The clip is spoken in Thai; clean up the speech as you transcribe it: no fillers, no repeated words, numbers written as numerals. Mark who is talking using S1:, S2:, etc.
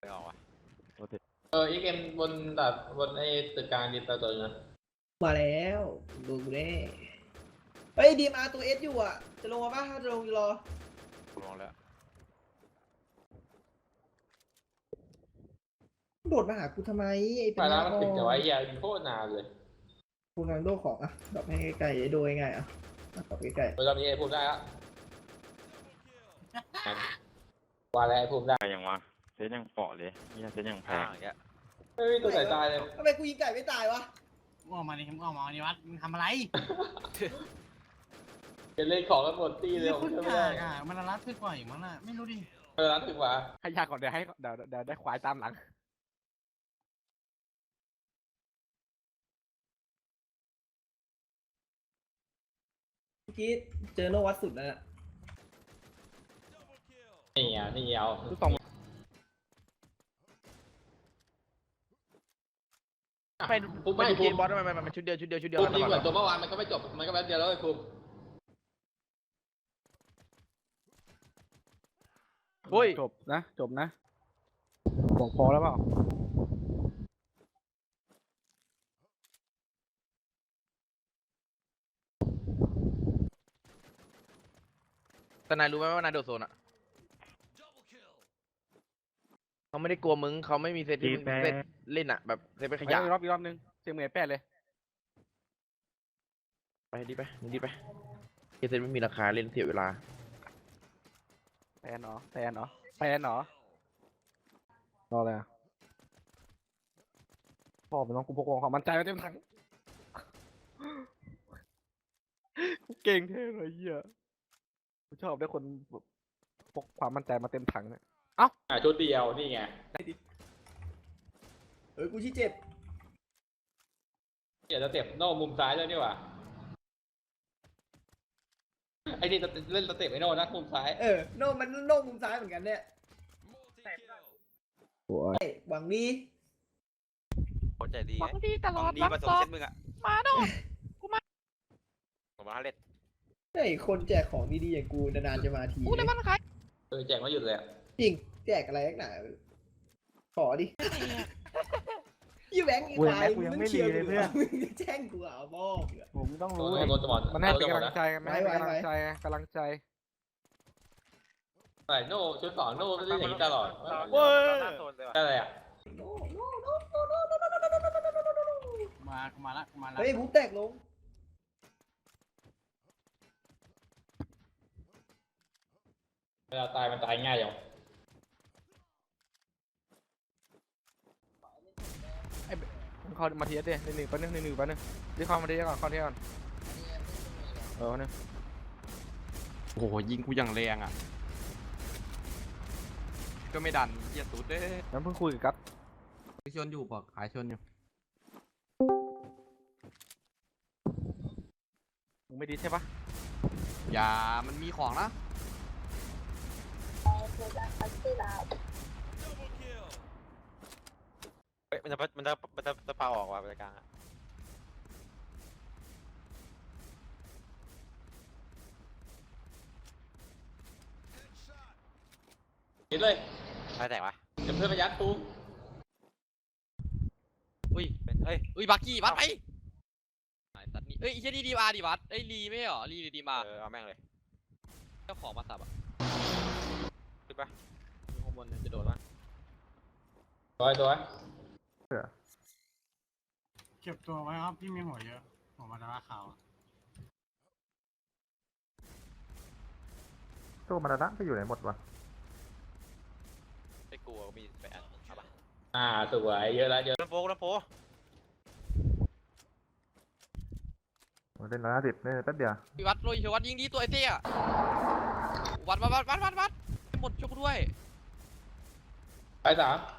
S1: ไม่ออกวะ
S2: อีกเกมบนแบบบนไอ้ตึกกลางดินตัวนึง
S3: มาแล้วดูกูได้เฮ้ยดีมาตัวเอสอยู่อ่ะจะลงมาป่ะถ้าจะลงจะรอ
S1: ลองแล้ว
S3: โดดมาหากูทำไมไอ้เป็
S2: ไป
S3: น
S2: แล้วมันติดแต่ว่าไอ้ยาโคตรนานเลย
S3: กูกำลังโดดของอ่ะดรอปให้ใกล้ๆโดยง่ายอ่ะดรอปใกล้
S2: ตอนนี้ไอ้ภูมิได้แล้วว่าแล้วไอ้ภูมิได้
S4: ไปยังวะเซตยังเปาะเลยเนี่ยเซตยังแพง
S1: อย่างเงี้ย
S2: เฮ้ยตัวไหนตายเลย
S3: ๆทำไมกูยิงไก่ไม่ตายวะ
S5: มึงออกมาดิมึงออกมาดิวัดมึงทำอะไร
S2: จะเล่นของกันหมดตีเลย
S5: ค
S2: ผม
S5: น
S2: จะไม่
S5: กา
S2: ได้
S5: กอ่ะมันรัดขึ้นกว่าอีกมั้งน่ะไม่รู้ดิ
S2: เวลาถึงว่า
S1: ให้ยากก่อนเดี๋ยวได้ควายตามหลัง
S3: เมื่อกี้เจอโนวัดสุดแล้วน่ะ
S2: นี่เอา
S1: ลูกตองไป
S2: ภูมิ
S1: ไป
S2: ไม่
S1: ดู
S2: ภู
S1: เก
S2: มิ
S1: มบอลทำไมมันชุดเดียวชุดเดียวชุดเดียว
S2: ภู
S1: กั
S2: มิ
S1: น
S2: ยิง
S1: ต
S2: เห
S1: ล
S2: มื
S1: อ
S2: อน
S1: ด
S2: ตัวเมื่อวานมันก็ไม่จบมันก็แป๊บเดียวแล้วไอ้ภูมิ
S1: เฮ้ยจบนะบอกพอแล้วเปล่าแต่นายรู้ไหมว่านายโดดโซนอ่ะเขาไม่ได้กลัวมึงเขาไม่มีเซตที่มึงเซตเล่นอ่ะแบบเซตเป็นขยะอีกรอบนึงเสียงเหมือนแปดเลยไปดีไปเซตไม่มีราคาเล่นเสียเวลาแพนเหรอรออะไรอ่ะพ่อมันต้องกูพกความมั่นใจมาเต็มถังกูเก่งเท่เลยเหี้ยกูชอบได้คนแบบพกความมั่นใจมาเต็มถังเนี่ย
S2: ชุดเดียวนี่ไง
S3: กูชี้เจ็บ
S2: อยากจะเต็บโน่มุมซ้ายเลยนี่หว่าไอ้นี่เล่นสเต็ปไอ้โน่นะมุมซ้าย
S3: โนมันโนมุมซ้ายเหมือนกันเนี่ยเฮ้ยหวังดี
S1: เข้าใจดี
S6: หวังดีตลอด
S1: ดี
S6: รั
S1: ผ
S6: ก
S1: ส
S6: ซ
S1: ม
S6: อก
S1: เส้นมึงอ่ะ
S6: มาโน่
S1: ผมมาเล่น
S3: เฮ้ยคนแจกของดีๆอย่างกูนานๆจะมาที
S6: กูเลยมันขาย
S2: แจกไม่หยุดเลย
S3: จริงแจกอะไรนักหนาขอดิยี่แบงค์อีกฝ่ายมึงเชียร์กูเหรอมึงแจ้งกูเอาบอกเหรอ
S1: ผมต้อง
S2: โด
S1: รู้
S2: นโดนจะหมด
S1: มันให้เป็น
S2: โด
S1: กำ
S2: น
S1: ลังใจมันให้เป็นกำลังใจกำลังใจ
S2: ใส่โน่ชุดสองโน่ไม่ได้อย่างนี้ตลอด
S1: เว้ย
S2: อะไรอ่ะ
S3: โน
S5: มาละ
S3: เฮ้ยบุ๊บแตกลง
S2: เวลาตายมันตายง่ายอย่าง
S1: เข้ามาทีเดียวหนึ่งแป๊บนึงรีเข้ามาทีก่อนเข้าทีก่อนนึงโอ้โหยิงกูอย่างแรงอ่ะก็ไม่ดันเยียดตูดเด้แล้วเพิ่งคุยกับชนอยู่ปะขายชนอยู่มึงไม่ดีใช่ปะอย่ามันมีของนะเฮ้ยมันจะพาออกว่ะบรรยากาศอ่ะ
S2: เห็นเลย
S1: ไม่แตกวะ
S2: เดี๋ยวเพื่อนมายัดตูม
S6: อุ้ยบักกี้บัดไปไอ้ตัดนี่เอ้ยไอ้เหี้ยนี่ดีมาดิบัดเอ้ยลีไม่ใช่เหรอลีหรือดีมา
S1: เอาแม่งเลย
S6: เจ้าของมาสับอ่ะ
S1: ขึ้นปะ
S6: อยู่ข้างบนเนี่ยจะโดดมา
S2: ตัว
S5: เก็บตัวไว้ครับพี่มีหัวเยอะหัวมาดาราขาว
S4: ตัวมันระไปอยู่ไหนหมดวะ
S1: ไอ้กลัวมีแปดเอาปะ
S2: สวยเยอะแล้วเยอะ
S1: น้ำโพ
S4: เล่น150เล่นแป๊บเดียว
S6: พี่วัดลุยวัดยิงดีตัวไอ้เตี้ยวัดหมดช่วยกูด้วย
S2: ไป3